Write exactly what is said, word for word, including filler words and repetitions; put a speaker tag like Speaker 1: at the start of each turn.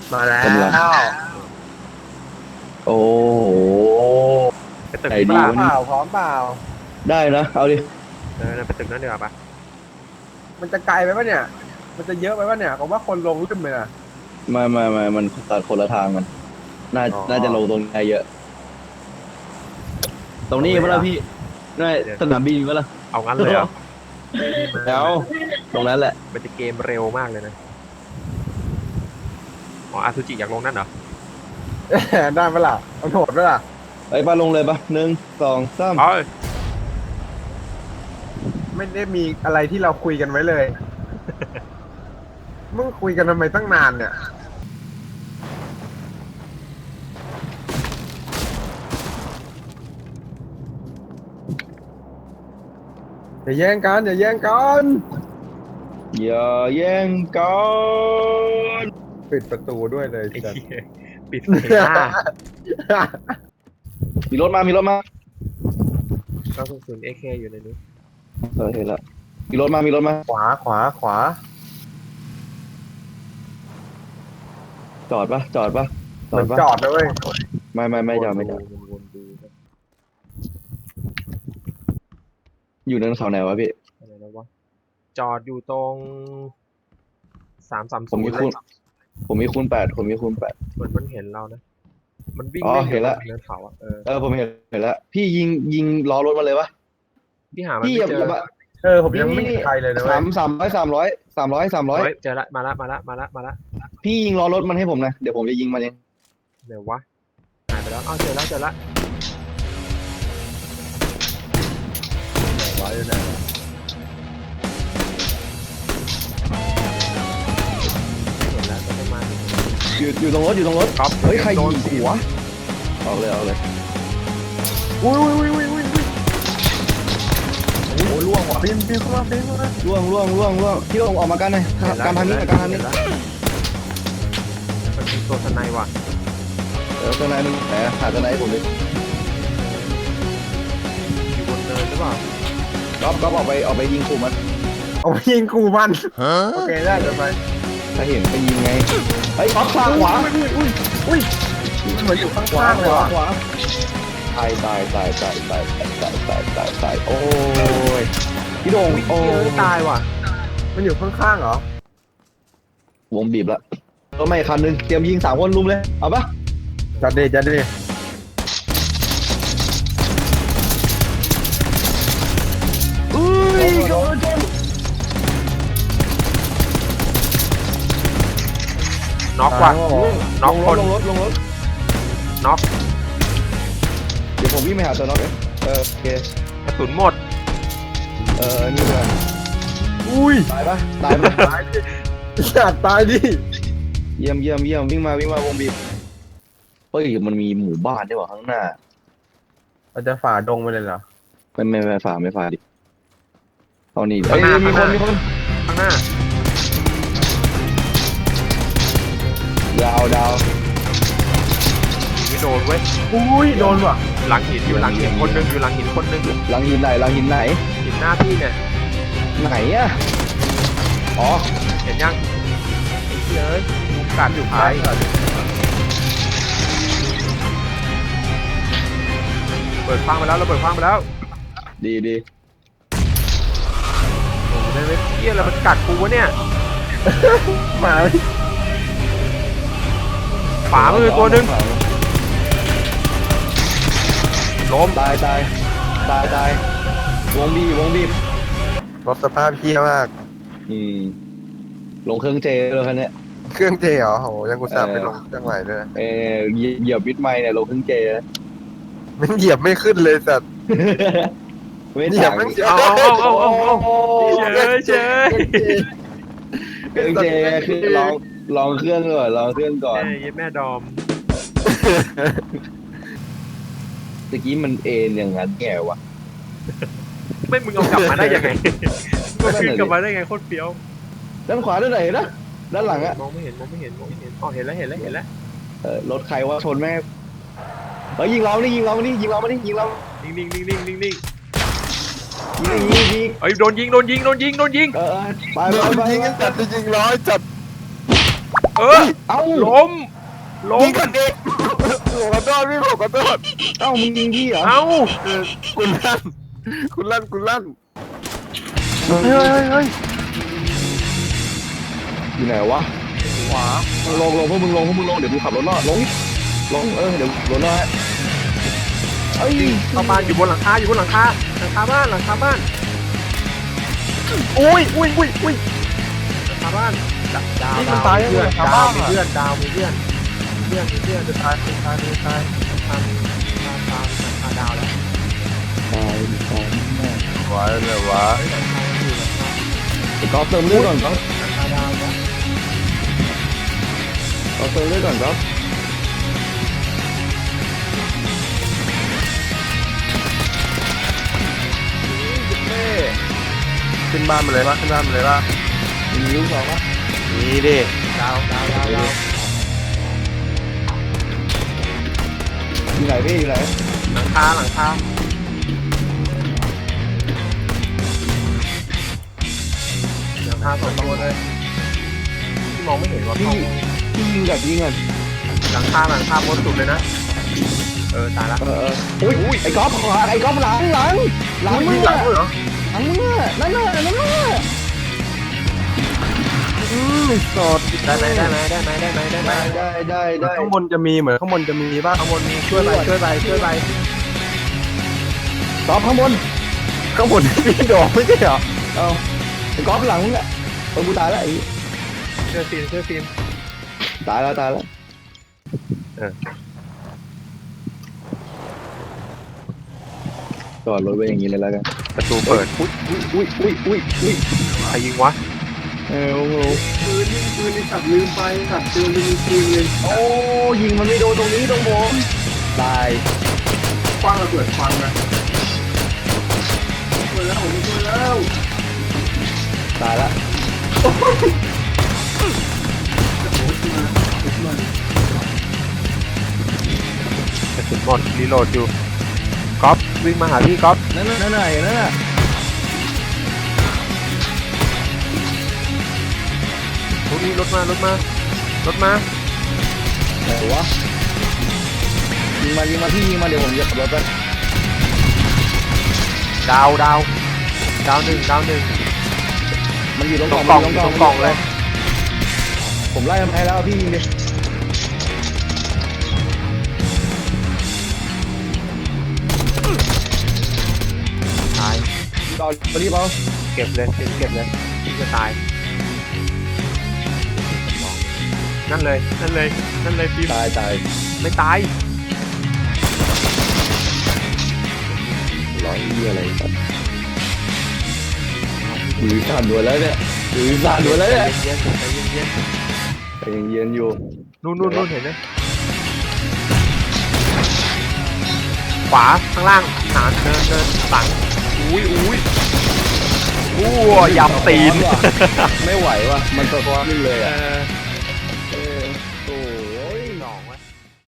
Speaker 1: มาแล้ว
Speaker 2: โอ้โห
Speaker 1: ไปตึก
Speaker 2: ไหน
Speaker 1: นี้
Speaker 2: ดี
Speaker 1: เปล่าว
Speaker 2: ะ
Speaker 3: เป
Speaker 2: นี่
Speaker 3: ล่าพร้อมเปล่า
Speaker 2: ได้นะเอาดิ
Speaker 1: เออไปตึกนั้นดีกว่าปะ
Speaker 3: มันจะไกลไปปะเนี่ยมันจะเยอะไปปะเนี่ยผมว่าคนลงขึ้นไปนะ
Speaker 2: มามามามันตัดคนละทางกันน่า
Speaker 3: อ๋อ
Speaker 2: น่าจะลงตรงนี้เยอะ ตรงนี้มั้ยล่ะพี่น่าสนามบินมั้ยล่ะ
Speaker 1: เอางั้นเลยเหรอ
Speaker 2: แล้วตรงนั้นแหละ
Speaker 1: มันจะเกมเร็วมากเลยนะอ๋ออาซูจิอยากลงนั่นเหรอ
Speaker 3: ได้ปะล่ะเอาโหดปะล่ะ
Speaker 2: ไปปะลงเลยปะหนึ่งสองสาม
Speaker 1: เอ้ย
Speaker 3: ไม่ได้มีอะไรที่เราคุยกันไว้เลยมึงคุยกันทำไมตั้งนานเนี่ยอย่าแย่งกันอย่าแย่งกัน
Speaker 2: อย่าแย่งกัน
Speaker 3: ปิดประตูด้วยเลย
Speaker 1: ไอ้
Speaker 3: จัด
Speaker 1: เหี้ยปิดเสียงหน้า
Speaker 2: มีรถมามีรถมา
Speaker 1: ก็คือศูนย์เอเคอยู่ในนี้
Speaker 2: เออเห็นละมีรถมามีรถมา
Speaker 3: ขวาขวาขวา
Speaker 2: จอดปะจอดปะจ
Speaker 3: เห
Speaker 2: อ
Speaker 3: มื
Speaker 2: ด
Speaker 3: อน
Speaker 2: ปะ
Speaker 3: จอดนะเว้ย
Speaker 2: ไม่ไม่ไม่จอดไม่จอด
Speaker 1: วนๆดู
Speaker 2: อยู่เนินเขาไหนวะพี่
Speaker 1: อะไรนะวะจอดอยู่ตรงสามสาม
Speaker 2: ผ
Speaker 1: ศู
Speaker 2: ม
Speaker 1: น
Speaker 2: มี
Speaker 1: ย์เล
Speaker 2: คูณ
Speaker 1: ย
Speaker 2: ผมมีคูณแปดผมมีคูณแปด
Speaker 1: เหมือนมันเห็นเรานะมันวิ่ง
Speaker 2: อ๋อ
Speaker 1: เล่นอ
Speaker 2: เห็
Speaker 1: ยู่
Speaker 2: น
Speaker 1: บ
Speaker 2: ละ
Speaker 1: นเนินเขาอ่ะเออ
Speaker 2: เออผมเห็นเห็นแล้วพี่ยิงยิงล้อรถมาเลยวะ
Speaker 1: พี่หามัน
Speaker 2: พี่
Speaker 1: ไม่
Speaker 2: อย่า
Speaker 1: เจ
Speaker 2: อย่า
Speaker 1: อ
Speaker 2: มา
Speaker 3: เออผมยังไม่เห็นใครเลยนะเว้
Speaker 2: สาย มสามร้อยสามร้อยสามร้อยสามร้อย
Speaker 1: เฮ้ยเจอละมาละมาละมาละมาละ
Speaker 2: พี่ยิงล้อรถมันให้ผมนะเดี๋ยวผมจะยิงมันเอง
Speaker 1: เดี๋ยววะหายไปแล้วอ้าวเจอแล้วเจอละ
Speaker 3: ร้อยอยู่ไหนวะ
Speaker 1: เห็นแล้วจะไม่มา
Speaker 2: อยู่อยู่ตรงรถอยู่ตรงรถ
Speaker 1: ครับ
Speaker 2: เฮ้ยใคร
Speaker 1: โด
Speaker 2: ยิ
Speaker 1: น
Speaker 2: งหัวเอาเลยเอาเลย
Speaker 3: อุ้ยอุ้ยอุ้ยอุ้ยอุ้ยโอ้โหล่วงว่ะปีนปีนเข้ามาปีนเข้ามา
Speaker 2: ล่วงล่วงล่วงล่วงพี่ลงออกมากันหน่อย
Speaker 1: เห็นแล้ว
Speaker 2: การทางนี้
Speaker 1: เห็น
Speaker 2: การทาง
Speaker 1: เห็
Speaker 2: นี้
Speaker 1: นแล้วมันมีตัวสไนว่ะ
Speaker 2: เออตัวไหนมึงไหนหาตัวไหนให้ผมดิ
Speaker 1: อยู่บนเนินหรือเปล่า
Speaker 2: ก๊อฟก๊อฟออกไปออกไปยิงขู่มัน
Speaker 3: เอาไปยิงกูมันโอเคได้เดี๋ยวไป
Speaker 2: ถ้าเห็นไปยิงไงเฮ้ยก๊อฟขวาขวา
Speaker 3: อุ้ยอุ้ยอุ้ยเหมือนอยู่ข้
Speaker 2: ขวา
Speaker 3: างๆเล
Speaker 2: ข
Speaker 3: ยว
Speaker 2: า
Speaker 3: ว่ะ
Speaker 2: ขวาตายตายตายตายตายตายตายตายตายโอ้ยพี่โด่ง
Speaker 1: อุ้ย
Speaker 2: โอ้
Speaker 1: เจอตายว่ะ
Speaker 3: มันอยู่ข้างๆเหรอ
Speaker 2: วงบีบละรถไม่คันหนึงเตรียมยิงสามคนลุมเลยเอาปะ
Speaker 3: จัดดิจัดดิ
Speaker 2: อุ้ยโดนชน
Speaker 1: น็อกว่ะน็อก
Speaker 2: ลง
Speaker 1: ค
Speaker 2: รถ
Speaker 1: น
Speaker 2: ลงรถลงรถ
Speaker 1: น็อก
Speaker 2: เดี๋ยวผมวิ่งไปหาตัวน็อกเองเออโอเค
Speaker 1: กระสุนหมด
Speaker 2: เออนี่เลย
Speaker 3: อุ้ย
Speaker 2: ตายปะตายปะ
Speaker 3: ตายดิจัดตายดิ
Speaker 2: เยี่ยมเยี่ยมเยี่ยมวิ่งมาวิ่งมาวงบีบเฮ้ยมันมีหมู่บ้านด้วยว่ะข้างหน้า
Speaker 3: เราจะฝ่าดงไปเลยเหรอ
Speaker 2: ไม่ไม่ไม่ฝ่าไม่ฝ่าดิเอานี่
Speaker 1: ข้างหน้า
Speaker 2: เอ้ยมีคน
Speaker 1: ข้างหน้า
Speaker 2: มีคน
Speaker 1: ข้างหน้า
Speaker 2: ดาวดาว
Speaker 1: ไม่โดนเว้ย
Speaker 3: อุ้ยโดนว่ะ
Speaker 1: หลังหินอยู่หลังหินคนหนึงอยู่หลังหินคนหนึง
Speaker 2: หลังหินไหนหลังหินไหน
Speaker 1: หินหน้าพี่เนี่ย
Speaker 2: ไหนอะอ๋อ
Speaker 1: เห็นยังไอ้เหี้ยเอ้ยยุงกัดอยู่ท้ายเปิดฟังไปแล้วเราเปิดฟังไปแล้ว
Speaker 2: ดีดี
Speaker 1: โอ้โหได้ไหมเหี้ยอะไรมันกัดกูวะเนี่ย
Speaker 3: หมา
Speaker 1: ขวามือตัวหนึงล้ม
Speaker 2: ตายตายตายตายวงบีบวงบีบ
Speaker 3: รถสภาพเพี้ยมาก
Speaker 2: อืมลงเครื่องเจเลยคันเนี้ย
Speaker 3: เครื่องเจเหรอโหยังกูสาบไปลงเครื่องใหม่ด้วยนะ
Speaker 2: เออเหยียบเหยียบวิทย์ไม้เนี่ยลงเครื่องเจนะ
Speaker 3: มันเหยียบไม่ขึ้นเลยสัตว์
Speaker 2: ไม่
Speaker 3: เหยียบ
Speaker 2: ต่าง
Speaker 3: ไม่
Speaker 1: เอาเอาเอาเอาเอาเฉยเฉย
Speaker 2: เครื่องเจคือลองลองเครื่องก่อนลองเครื่องก่อน
Speaker 1: เอ้ยแม่ดอม
Speaker 2: ตะกี้มันเอ็นอย่างนั้นแกวะ
Speaker 1: ไม่มึงเอากลับมาได้ยังไงมึงขึ้นกลับมาได้ไงโคตรเฟี้ยว
Speaker 2: ด้านขวาด้านไหนนะด้านหลังอะ
Speaker 1: มองไม่เห็นมองไม่เห็นมองไม่เห็นอ๋อเห็นแล้วเห็นแล้วเห็นแล้ว
Speaker 2: เออรถใครว่าชนแม่เฮ้ยยิงเรานี่ยิงเรานี่ยิงเรามานี่ยิงเรา
Speaker 1: นิ่งนิ่งนิ่งนิ่งนิ่งนิ่ง
Speaker 2: ยิงยิงยิง
Speaker 1: เอ้ยโดนยิงโดนยิงโดนยิงโดนยิง
Speaker 2: เออไป
Speaker 3: โด
Speaker 2: ไป
Speaker 3: น
Speaker 2: ไป
Speaker 3: ยิงกันจัดจริงๆร้อยจัด
Speaker 1: เออ
Speaker 2: เอ้า
Speaker 1: ล้มล้ม
Speaker 3: ยิงกันเองขอโทษพี่ผมขอโทษ
Speaker 2: เอ้ามึงยิงพี่เหรอ
Speaker 1: เอ้า
Speaker 3: เออคุณลั่นคุณลั่นคุณลั่น
Speaker 1: เฮ้ยเฮ้ยเฮ้ย
Speaker 2: อยู่ไหนวะ
Speaker 3: ขวา
Speaker 2: ลงลงพวกมึงลงพวกมึงลงเดี๋ยวกูขับรถรอดลงลงเออเดี๋ยวรถรอดเอ้ย
Speaker 1: เข้าบ้านอยู่บนหลังคาอยู่บนหลังคาหลังคาบ้านหลังคาบ้านอุ้ยอุ้ยอุ้ยอุ้ยหลังคาบ้านดาวดาว
Speaker 3: นี่
Speaker 1: ดา
Speaker 3: มัน
Speaker 1: ว
Speaker 3: ตาย
Speaker 1: มี
Speaker 3: ยังไง
Speaker 1: เพื่อน
Speaker 3: ชาว
Speaker 1: ดา
Speaker 3: บ้า
Speaker 1: วน มี
Speaker 3: อ่ะ
Speaker 1: เพื่อนดาวมีเพื่อนเพื่อนมีเพื่อนจะตายจะตายจะตายตายตายตายหลังคาดาวแล้ว
Speaker 2: ตายตายแม่
Speaker 3: ไหวเลยวะ
Speaker 1: หลังคาอยู่หลังคา
Speaker 2: ไอ้ก๊อฟเติมเลือดก่อนก๊อฟ
Speaker 1: หลังคาดาวแล้ว
Speaker 2: ก๊อฟเติมเลือดก่อนก๊อฟ
Speaker 3: ขึ้นบ้านมาเลยปะขึ้นบ้านมาเลยปะ
Speaker 2: มีลูกสองปะ
Speaker 3: นี่ดิ
Speaker 1: ดาวดาวดาวดาว
Speaker 2: อยู่ไหนพี่อยู่ไหน
Speaker 1: หลังคาหลังคาหลังคาสองตัวเลยที่มองไม่เห็นว่า
Speaker 2: พี่
Speaker 1: เขา
Speaker 2: พี่ยิงกับยิงก่อน
Speaker 1: หลังคาหลังคาบนสุดเลยนะเออตายละ
Speaker 2: เออเอออุ้ยไอ้ก๊อฟขวาไอ้ก๊อฟหลังหลังหลัง
Speaker 1: อุ้ย
Speaker 2: มึ
Speaker 1: ยิ
Speaker 2: ง
Speaker 1: งหลั
Speaker 2: อะ
Speaker 1: งด้วยเหรอ
Speaker 2: หลังมึงอะนั่นน่ะนั่นน่ะ
Speaker 3: อืมสด
Speaker 1: ได้ไหมได้ไหมได้ไหมได้ไหมได้ไหม
Speaker 2: ได้ได้ได้ได้
Speaker 3: ข้างบนจะมีเหมือนข้างบนจะมีป่ะ
Speaker 1: ข้างบนมีช่วยไปช่วยไปช่วยไป
Speaker 2: ก๊อฟข้างบน
Speaker 3: ข้างบนมีดอกไม่ใช่เหรอ
Speaker 2: เอาไอ้ก๊อฟหลังมึงอะเออกูตายแล้วไอ้
Speaker 1: ช่วยฟิล์มช่วยฟิล์ม
Speaker 2: ตายแล้วตายแล้วจอดรถไว้อย่างนี้เลยแล้วกัน
Speaker 1: ประตูเปิด
Speaker 2: อุ้ยอุ้ยอุ้ยอุ้ยอุ้ย
Speaker 1: ใครยิงวะ
Speaker 2: เออโอ้โห
Speaker 4: ปืนยิงปืนในสัตว์ลืมไปสัตว์เตือนลืมปืนเลย
Speaker 2: โอ้ยิงมันไม่โดนตรงนี้ตรงผมตาย
Speaker 4: คว้างระเบิดควันนะช่วยแล้วผมช่วยแล้ว
Speaker 2: ตายแล้ว
Speaker 4: โอ้ยมาขึ้นมาก
Speaker 1: ระสุนหมดรีโหลดอยู่ก๊อฟวิ่งมาหาพี่ก๊อฟ
Speaker 2: นั่นน่ะนั่นน่ะเห็นนั่นน่ะ
Speaker 1: รถนี้รถมารถมารถมา
Speaker 2: ไหนวะยิงมายิงมาพี่ยิงมาเดี๋ยวผมจะขับรถไป
Speaker 1: ดาวดาวดาวหนึ่งดาวหนึ่ง
Speaker 2: มันอยู่ตรง
Speaker 1: ต
Speaker 2: ก
Speaker 1: ร
Speaker 2: ล่อง
Speaker 1: งกล่อง
Speaker 2: มัน
Speaker 1: ตรงกล่องเลย
Speaker 2: ผมไล่มันไปแล้วพี่ยิงดิ
Speaker 1: ตาย
Speaker 2: ตอนรีบเอา
Speaker 1: เก็บเลยเก็บเลยพี่จะตายนั่นเลยนั่นเลยนั่นเลยฟิล์ม
Speaker 2: ตายตาย
Speaker 1: ไม่ตาย
Speaker 2: ร้อยยี่อะไรสัตว์มือสั่นหมดแล้วเนี่ยมือสั่นหมดแล้วเนี่ย
Speaker 1: เย็นๆใจเย็น
Speaker 2: แต่ยังเย็นอยู่
Speaker 1: ๆนู่นนู่นนู่นเห็นไหมขวาข้างล่างหนานเดินเดินหลังอุ้ยอุ้ยอู้ยำตีน
Speaker 2: ไม่ไหวว่ะมันสะท้อนเลย
Speaker 1: เอ
Speaker 2: อ่ะ
Speaker 1: อ